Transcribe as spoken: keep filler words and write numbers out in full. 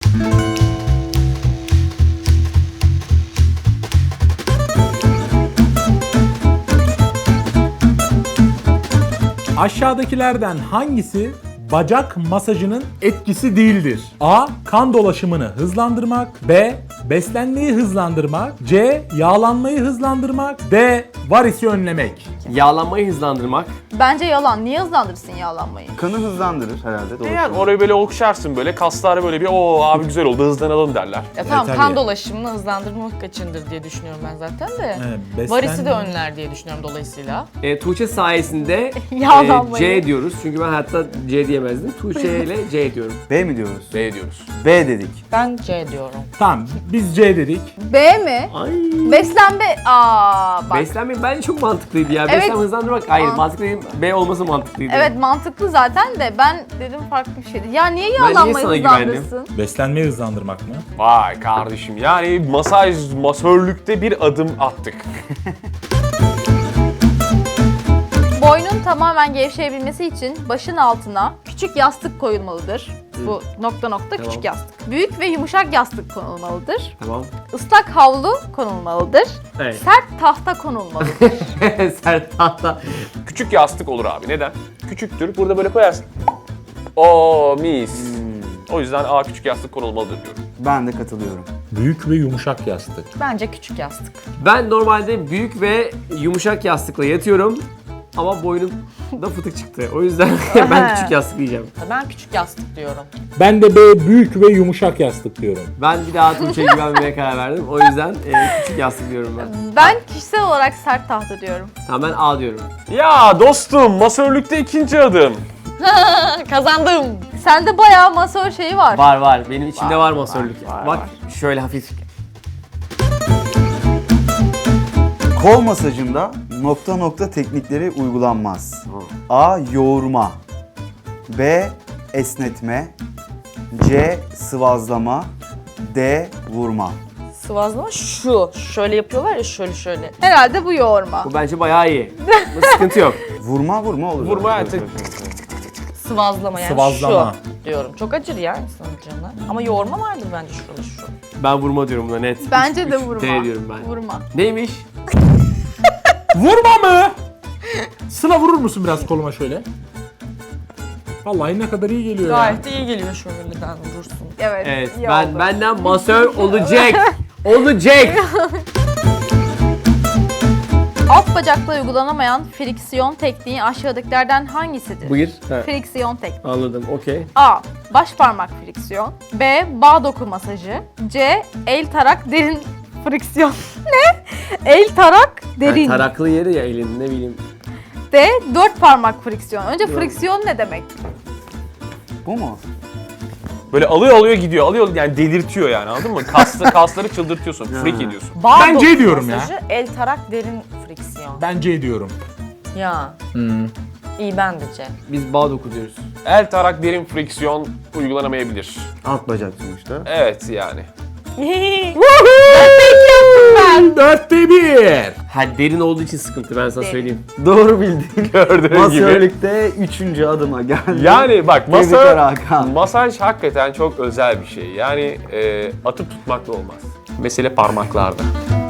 Aşağıdakilerden hangisi bacak masajının etkisi değildir? A. Kan dolaşımını hızlandırmak. B. Beslenmeyi hızlandırmak. C. Yağlanmayı hızlandırmak. D. Varisi önlemek. Yağlanmayı hızlandırmak. Bence yalan. Niye hızlandırırsın yağlanmayı? Kanı hızlandırır herhalde. Doğru. Yani orayı böyle okşarsın böyle kaslar böyle bir o abi güzel oldu hızlanalım derler. Ya tamam, tabii. kan dolaşımını hızlandırmak içindir diye düşünüyorum ben zaten de. Evet, beslenme- Varisi de önler diye düşünüyorum dolayısıyla. E, Tuğçe sayesinde e, Yağlanmayı. C diyoruz. Çünkü ben hayatta C diyemezdim. Tuğçe ile C diyorum. B mi diyoruz? B diyoruz. B dedik. Ben C diyorum. Tamam, biz C dedik. B mi? Ay. Beslenme... Aa bak. Beslenme bence çok mantıklıydı ya. Evet. Beslenme hızlandırmak hayır. Aa. Mantıklı değil. B olması mantıklıydı. Evet mantıklı zaten de ben dedim farklı bir şeydi. Ya niye niye yağlanmayı sana güvendim? hızlandırsın? Beslenmeyi hızlandırmak mı? Vay kardeşim yani masaj, masörlükte bir adım attık. Boynun tamamen gevşeyebilmesi için başın altına küçük yastık koyulmalıdır. Bu nokta nokta Tamam. küçük yastık. Büyük ve yumuşak yastık konulmalıdır. Tamam. Islak havlu konulmalıdır. Evet. Sert tahta konulmalıdır. Sert tahta. Küçük yastık olur abi neden? Küçüktür burada böyle koyarsın. Oo mis. O yüzden A küçük yastık konulmalıdır diyorum. Ben de katılıyorum. Büyük ve yumuşak yastık. Bence küçük yastık. Ben normalde büyük ve yumuşak yastıkla yatıyorum. Ama boynumda fıtık çıktı. O yüzden ben küçük yastık diyeceğim. Ben küçük yastık diyorum. Ben de B büyük ve yumuşak yastık diyorum. Ben bir daha Tuğçe'ye güvenmeye karar verdim. O yüzden e, küçük yastık diyorum ben. Ben kişisel olarak sert tahta diyorum. Tamam ben A diyorum. Ya dostum masörlükte ikinci adım. Kazandım. Sende bayağı masör şeyi var. Var var. Benim içimde var, masörlük. var, Bak şöyle hafif. Kol masajında nokta nokta teknikleri uygulanmaz. A. Yoğurma. B. Esnetme. C. Sıvazlama. D. Vurma. Sıvazlama şu. Şöyle yapıyorlar ya şöyle şöyle. Herhalde bu yoğurma. Bu bence bayağı iyi. Bu sıkıntı yok. Vurma vurma olur. Vurma, Evet, evet. evet, evet, evet. Sıvazlama yani Sıvazlama. şu diyorum. Çok acır ya insanın canına. Ama yoğurma vardır bence şurada şu. Ben vurma diyorum buna net. Bence Üç- de üç vurma. D diyorum ben. Vurma. Neymiş? Vurma mı? Sıla vurur musun biraz koluma şöyle? Vallahi ne kadar iyi geliyor ya. Gayet iyi geliyor şöyleden vurursun. Evet. Evet. iyi Ben oldu. benden masör olacak. olacak. Alt bacakla uygulanamayan friksiyon tekniği aşağıdakilerden hangisidir? Buyur. Ha, Friksiyon tekniği. anladım. Okey. A. Baş parmak friksiyon. B. Bağ doku masajı. C. El tarak derin friksiyon. Ne? El tarak derin. Yani taraklı yeri ya elin ne bileyim. D. Dört parmak friksiyon. Önce friksiyon ne demek? Bu mu? Böyle alıyor alıyor gidiyor. Alıyor yani delirtiyor yani anladın mı? Kaslı, kasları çıldırtıyorsun. Freak ediyorsun. Bağ Ben C doku diyorum ya. masajı, el tarak derin friksiyon. Ben C diyorum. Ya. Hmm. İyi ben de C. Biz bağ doku diyoruz. El tarak derin friksiyon uygulanamayabilir. Alt bacak sonuçta. Evet yani. Ben dörtte bir. Ha derin olduğu için sıkıntı ben sana Derin. söyleyeyim. Doğru bildin. Gördüğün gibi. Masörlükte üçüncü adıma geldi. Yani bak Tebrikler masaj, Hakan. masaj hakikaten çok özel bir şey. Yani e, atıp tutmakla olmaz. Mesele parmaklarda.